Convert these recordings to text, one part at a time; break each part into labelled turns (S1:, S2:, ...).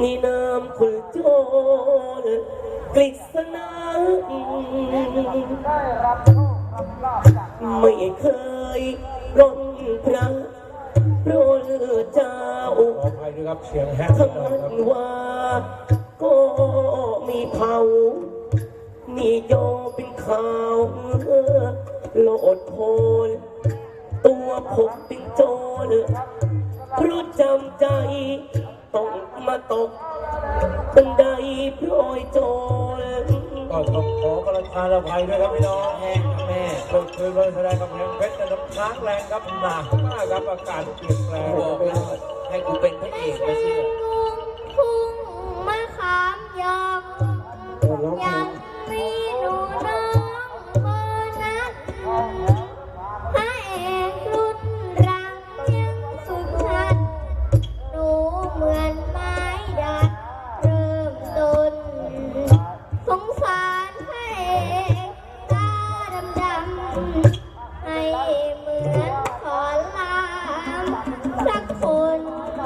S1: มีนามคุณโจรกฤษณาไม่เคยร่อนพระโปรดเจ้า
S2: ขออภัยด้วยครับเสียงแห้ง
S1: ทั้งมันว่าก็มีเผามีโยเป็นข่าวโลดโผนตัวผมเป็นโจรเพราะจำใจต้องมาตกบันไดโปรยโจร
S2: ก็ต้องขอกระทานอภัยด้วยครับพี่น้องแห้งแม่ก็เคยมาแสดงกับเพลงเพชรน้ำค้างแรงครับหนักมากครับอากาศเปลี่ยนแปลงบอกแล้วให้กูเป็นพระเอกไปสิ
S3: พุ่งมะขามยำยังมีหนูน้องเบอร์นั้นพระเอกรุ่นรังยังสุดชัดหนูเหมือนไม้ดัดเริ่มต้นสงสารพระเอกตาดำให้เหมือนขอลามสักคน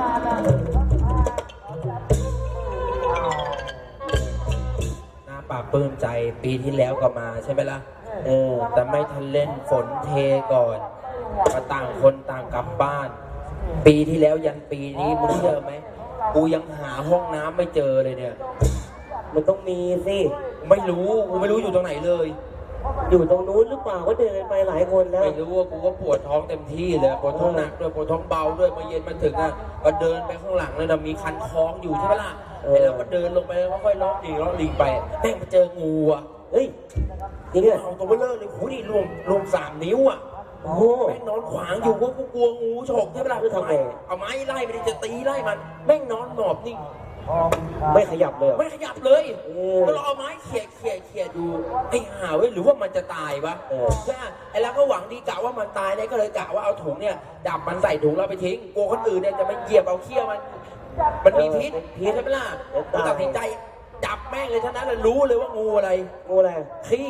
S4: น่าปราบปลื้มใจปีที่แล้วก็มาใช่ไหมล่ะแต่ไม่ทันเล่นฝนเทก่อนมาต่างคนต่างกลับบ้าน ปีที่แล้วยันปีนี้มึงเชื่อไหมกูยังหาห้องน้ำไม่เจอเลยเนี่ย
S1: มันต้องมีสิ
S4: ไม่รู้กูไม่รู้อยู่ตรงไหนเลย
S1: อยู่ตรงนู้นหรือเปล่าก็เดินไปหลายคนแล้ว
S4: ไม่รู้ว่ากูก็ปวดท้องเต็มที่เลยปวดท้องหนักด้วยปวดท้องเบาด้วยมาเย็นมาถึงอ่ะก็เดินไปข้างหลังเลยนะมีคันคล้องอยู่ใช่ไหมล่ะแล้วก็เดินลงไปแล้วก็ค่อยล้อลิงไปแม่งมาเจองูอ่ะ
S1: เฮ้ยจริงเหรอ
S4: เอาตัวเบลเลอร์เลยโหนี่รวม3 นิ้วอ่ะ
S1: โอ้โห
S4: แม่งนอนขวางอยู่กูกลัวงูฉกใช่ไหมล่ะ
S1: ทำไง
S4: เอาไม้ไล่ไปจะตีไล่มันแม่งนอนหมอบนิ่ง
S1: ไม่ขยับเลย
S4: ไม่ขยับเลยก็เราเอาไม้เขี่ยดูไอ้ห่าเว้ยหรือว่ามันจะตายวะใช่ไอ้แล้วก็หวังดีกะว่ามันตายเนี่ยก็เลยกะว่าเอาถุงเนี่ยดับมันใส่ถุงแล้วไปทิ้งกลัวคนอื่นเนี่ยจะมาเหยียบเอาเขี้ยวมันมีพิษใช่ไหมล่ะตัดสินใจจับแม่งเลยเท่านั้นเลยรู้เลยว่างูอะไรขี้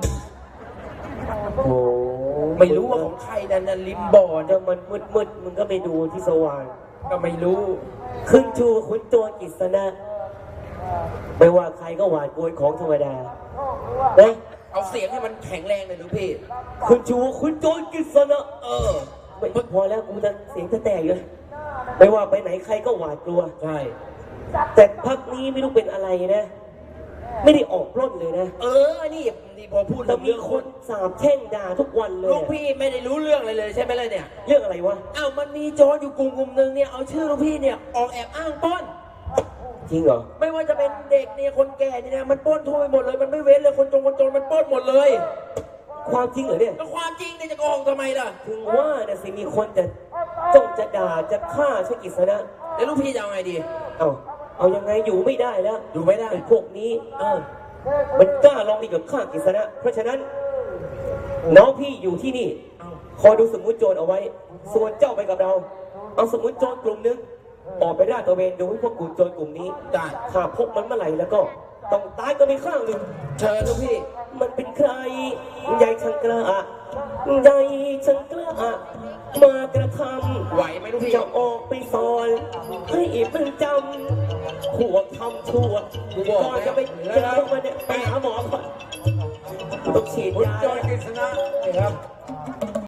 S1: โอ้
S4: ไม่รู้ว่าของใครนั่นริมบ่อ
S1: เนี่ยมันมืดมึงก็ไปดูที่สว่าง
S4: ก็ไม่รู้
S1: ขึ้นชูขุนโจรกฤษณะไม่ว่าใครก็หวาดกลัวของธรรมดา
S4: เอาเสียงให้มันแข็งแรงเลยหรือพี่
S1: ขึ้นชูขุนโจรกฤษณะไม่พอแล้วกูจะเสียงจะแตกเลยไม่ว่าไปไหนใครก็หวาดกลัว
S4: ใช่
S1: แต่พักนี้ไม่รู้เป็นอะไรนะไม่ได้ออกปล้นเลยนะ
S4: นี่พอพูด
S1: แต่มีคนสาบแช่งด่าทุกวันเลย
S4: ลูกพี่ไม่ได้รู้เรื่องอะไรเลยใช่ไหมล่ะเนี่ย
S1: เรื่องอะไรวะ
S4: มันมีโจรอยู่กลุ่มนึงเนี่ยเอาชื่อลูกพี่เนี่ยออกแอบอ้างปล้น
S1: จริงเหรอ
S4: ไม่ว่าจะเป็นเด็กเนี่ยคนแก่เนี่ยมันปล้นทั่วไปหมดเลยมันไม่เว้นเลยคนจนมันปล้นหมดเลย
S1: ความจริงเหรอเนี่ย
S4: ก็ความจริงเนี่ยจะโกหกทำไมล่ะ
S1: ถึงว่าเนี่ยสิมีคนจะจ้องจะด่าจะฆ่าชกิษณะ
S4: แล้วลูกพี่จะเอาไงดี
S1: เอายังไงอยู่ไม่ได้แล้ว
S4: อยู่ไม่ได้
S1: ไอ้พวกนี้มันกล้าลองดีกับข้ากฤษณะเพราะฉะนั้นน้องพี่อยู่ที่นี่คอยดูสมุนโจรเอาไว้ส่วนเจ้าไปกับเราเอาสมุนโจรกลุ่มนึงออกไปราดตระเวนดูให้พวกกลุ่มโจรกลุ่มนี้
S4: ได้
S1: ข้าพบมันเมื่อไหร่แล้วก็ต้องตายก็มีข้างหนึ่ง
S4: เชิญลูกพี่
S1: มันเป็นใครใหญ่ช่างกล้าใหญ่ช่างกล้ามากระทำ
S4: ไหวไหมลูกพี่
S1: จะออกไปสอนให้มันจำขวบทำชั่วก่อนจะไปเจอมันเนี่ยไปหาหมอก่อนต้องฉีดยา
S2: จอยกฤษณะนี่ครับ